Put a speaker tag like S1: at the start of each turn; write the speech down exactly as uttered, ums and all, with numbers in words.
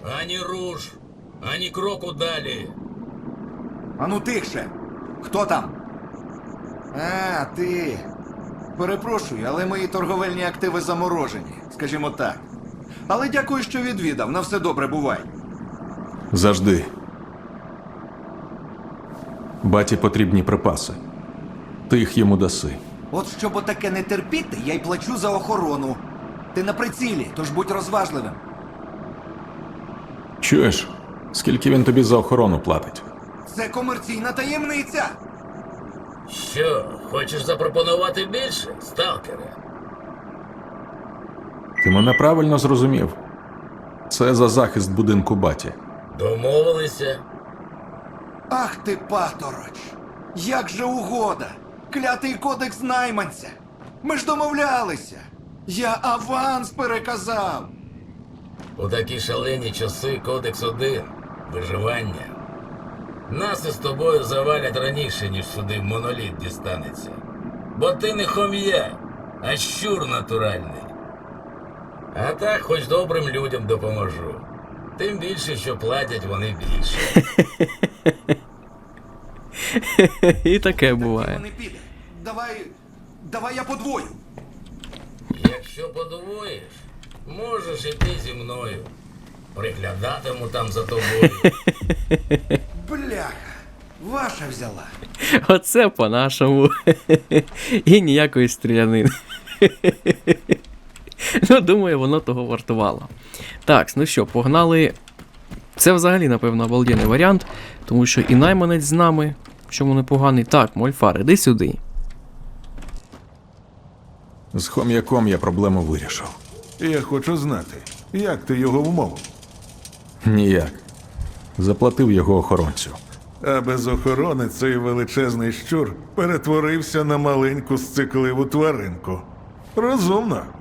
S1: Ані руш, ані кроку далі.
S2: Ану тихше! Хто там? А, ти. Перепрошую, але мої торговельні активи заморожені, скажімо так. Але дякую, що відвідав. На все добре, бувай.
S3: Завжди. Баті потрібні припаси. Ти їх йому даси.
S2: От щоб отаке не терпіти, я й плачу за охорону. Ти на прицілі, тож будь розважливим.
S3: Чуєш, скільки він тобі за охорону платить?
S2: Це комерційна таємниця.
S1: Що, хочеш запропонувати більше, сталкере?
S3: Ти мене правильно зрозумів. Це за захист будинку баті.
S1: Домовилися?
S2: Ах ти, патороч! Як же угода! Клятий кодекс найманця! Ми ж домовлялися! Я аванс переказав!
S1: У такі шалені часи кодекс один – виживання. Нас із тобою завалять раніше, ніж сюди моноліт дістанеться. Бо ти не хом'я, а щур натуральний. А так хоч добрим людям допоможу. Тим більше, що платять вони більше.
S4: І таке
S2: Діло
S4: буває.
S2: не піде. Давай. Давай я подвою.
S1: Якщо подвоїш, можеш іти зі мною. Приглядатиму там за тобою.
S2: Бляха, ваша взяла.
S4: Оце по-нашому. І ніякої стрілянини. Ну, думаю, воно того вартувало. Так, ну що, погнали. Це взагалі, напевно, обалденний варіант, тому що і найманець з нами, чому непоганий. Так, Мольфар, іди сюди.
S3: З хом'яком я проблему вирішив.
S5: Я хочу знати, як ти його вмовив.
S3: Ніяк. Заплатив його охоронцю.
S5: А без охорони цей величезний щур перетворився на маленьку сцикливу тваринку. Розумно.